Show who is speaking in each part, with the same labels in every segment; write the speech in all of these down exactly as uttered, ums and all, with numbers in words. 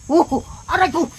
Speaker 1: Oh, aray ko!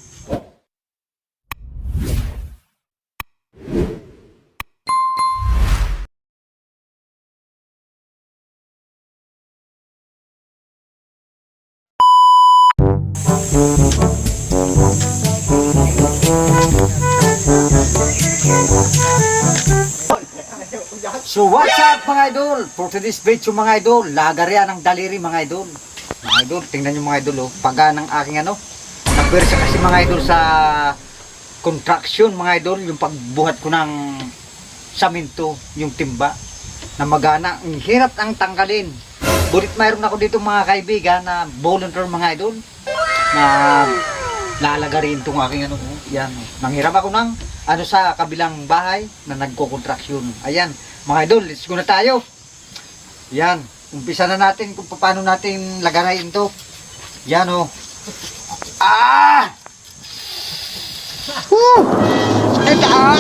Speaker 1: So what's up mga idol? For today's video mga idol, lagarian ng daliri mga idol. Mga idol, tingnan nyo mga idol oh, paga ng aking ano. Nagwersa kasi mga idol sa contraction mga idol, yung pagbuhat ko ng saminto, yung timba na magana. Ang hirap ang tanggalin. Bulit mayroon ako dito mga kaibigan na volunteer mga idol na lalagarin itong aking ano. Yan, nanghiram ako ng ano sa kabilang bahay na nagko-contraction. Ayan. Mga idol, let's go na tayo. Yan, umpisa na natin kung paano natin lagarayin to. Yan o. Oh. Ah! Woo! Sakit ah!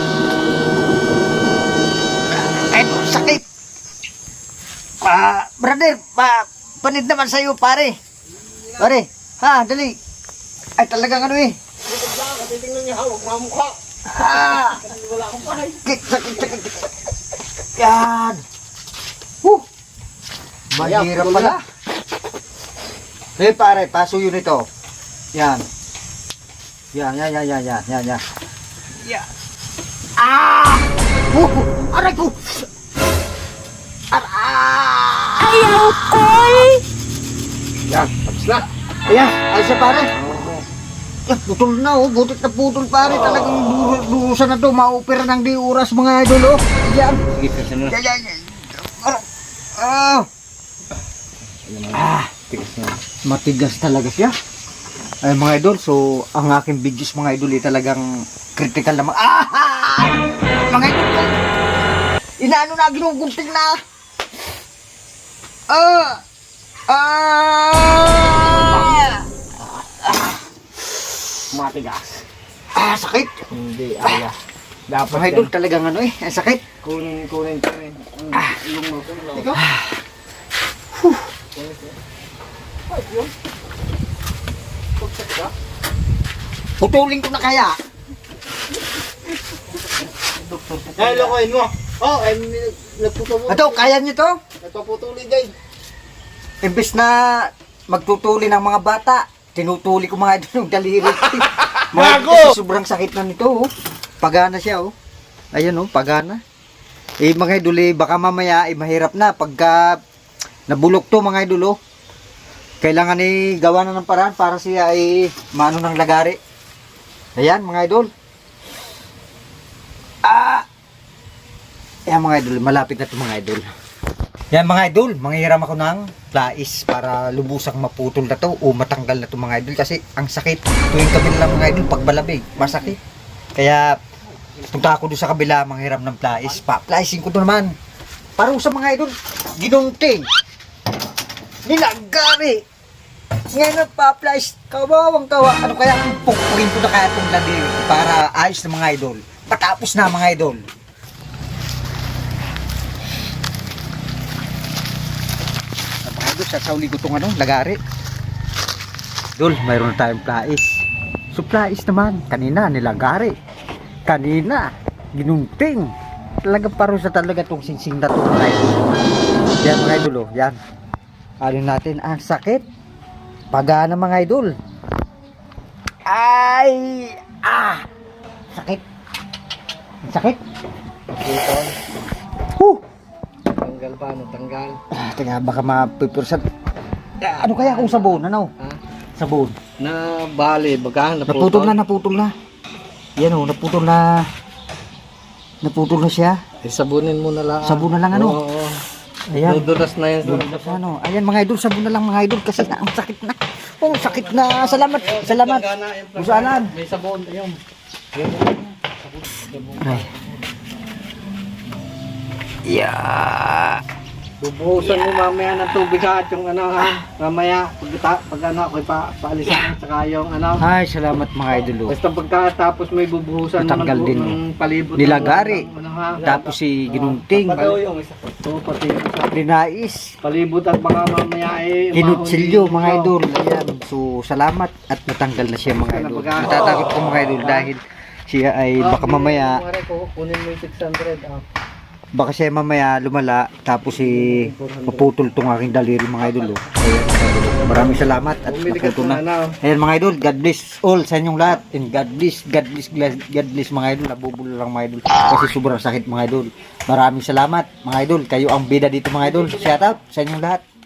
Speaker 1: Ito, sakit. Ah, brother, pa, panid naman sa'yo pare. Pare, ha, dali. Ay talagang ano eh.
Speaker 2: Titingnan niya, huwag mamukha.
Speaker 1: Ah!
Speaker 2: Wala akong pahay.
Speaker 1: Sakit, sakit, sakit. Yan. Huh. Mahirap pala. Eh pare, paso yun ito. Yan. Yan, yan, yan, yan, yan, yan, yan. Yan. Ah! Huh. Aray ko! Ah!
Speaker 3: Ayaw ko!
Speaker 2: Yan, tapos na.
Speaker 1: Ayan, ay siya pare. Yan, putol na oh. Butit na putol pare. Talagang durusan na to. Maopera ng di oras mga idol oh. Yan.
Speaker 2: Sige, kasi na.
Speaker 1: Yan, yan, yan. Ah! Ah!
Speaker 2: Tigas na.
Speaker 1: Matigas talaga siya. Ay mga idol, so ang aking videos mga idol ay talagang critical na mga... Ah! Mga idol, inaano na, ginugunting na. Ah! Ah!
Speaker 2: Matigas.
Speaker 1: Ah, sakit.
Speaker 2: Hindi, aya. Dapat
Speaker 1: Mga idol, talagang ano eh, ang sakit.
Speaker 2: kunin, kunin, kunin.
Speaker 1: Ah.
Speaker 2: Yung mo,
Speaker 1: Ikaw? Huh.
Speaker 2: Ay, yun. Pagsak ka?
Speaker 1: Putulin ko na kaya.
Speaker 2: Ay, lokohin mo. Oh, ay, nagputulin.
Speaker 1: Ito, kaya niyo to?
Speaker 2: Nagpaputulin dyan.
Speaker 1: Imbes na magtutuli ng mga bata, tinutuli ko mga idol yung daliri. Mga idol, kasi sobrang sakit na nito oh. Pagana siya oh. Ayun oh, pagana. Eh mga idol eh, baka mamaya eh, mahirap na pagka nabulok to mga idol oh. Kailangan eh gawa na ng paraan para siya ay maano ng lagari. Ayan mga idol. Ah! Ayan mga idol, malapit na ito mga idol. Yan mga idol, manghiram ako ng plais para lubusang maputol na to o matanggal na to mga idol kasi ang sakit. Tuwing kabila lang mga idol, pag balabig, masakit. Kaya punta ako doon sa kabila, manghiram ng plais. Pa-plaisin ko to naman. Para sa mga idol, ginunting. Nilagari. Ngayon ang pa-plais, kawawang kawa. Ano kaya kung pukurin ko na kaya itong ladiri para ayos na mga idol. Patapos na mga idol. Sa sauli ko itong ano, lagari. Dol, mayroon na tayong plais. So plais naman, kanina nilagari. Kanina, ginunting. Talaga paro sa talaga itong singsing na ito mga idol. Yan mga idol oh, yan. Alin natin, ang sakit. Pagana mga idol. Ay! Ah! Sakit. Ang sakit.
Speaker 2: Ito.
Speaker 1: Huh!
Speaker 2: Tanggal pa, ano? Tanggal.
Speaker 1: Ah, teka, baka mapipirsan. Ah, ano kaya kung sabon? Ano?
Speaker 2: Ha?
Speaker 1: Sabon.
Speaker 2: Na bali, baga,
Speaker 1: Naputol na, naputol na. Yan o, naputol na. Naputol na siya.
Speaker 2: Eh, sabunin mo na lang.
Speaker 1: Sabon na lang ano?
Speaker 2: Oo, oo.
Speaker 1: Ayan.
Speaker 2: Dudulas na yan.
Speaker 1: Dudulas na, ano. Ayan mga idol, sabon na lang mga idol kasi na, ang sakit na. Oh, sakit na. Salamat, salamat. Usanan.
Speaker 2: May sabon. Ayun.
Speaker 1: Ay. Yeah.
Speaker 2: Bubuhusan mo mamaya ng tubig ha, at yung ano ha, mamaya, pag, pag ano, ako'y pa, paalisan, saka yung ano.
Speaker 1: Ay, salamat mga idol. Oh.
Speaker 2: Basta pagkatapos may bubuhusan mo
Speaker 1: Natanggal
Speaker 2: ng,
Speaker 1: din,
Speaker 2: ng palibot.
Speaker 1: Nilagari.
Speaker 2: ng ano, ha.
Speaker 1: Tapos si Ginunting,
Speaker 2: yung isa. Oo, pati yung isa.
Speaker 1: Linais,
Speaker 2: Palibot at baka mamaya eh.
Speaker 1: Kinutsilyo
Speaker 2: mahuli.
Speaker 1: mga idol. Ayan. So, salamat at natanggal na siya mga idol. Natatakot ko mga idol dahil siya ay
Speaker 2: Ah,
Speaker 1: baka mamaya,
Speaker 2: Mare ko, kunin mo yung six hundred. Ah.
Speaker 1: baka siya mamaya lumala tapos si maputol tong aking daliri mga idol. Oh. Ayan, mga idol. Maraming salamat at
Speaker 2: Bumili ka
Speaker 1: naputol
Speaker 2: na.
Speaker 1: na. Ayan mga idol, God bless all sa inyong lahat. And God bless, God bless, God bless mga idol. Nabubulo lang mga idol. Kasi sobrang sakit mga idol. Maraming salamat mga idol. Kayo ang bida dito mga idol. Shout out sa inyong lahat.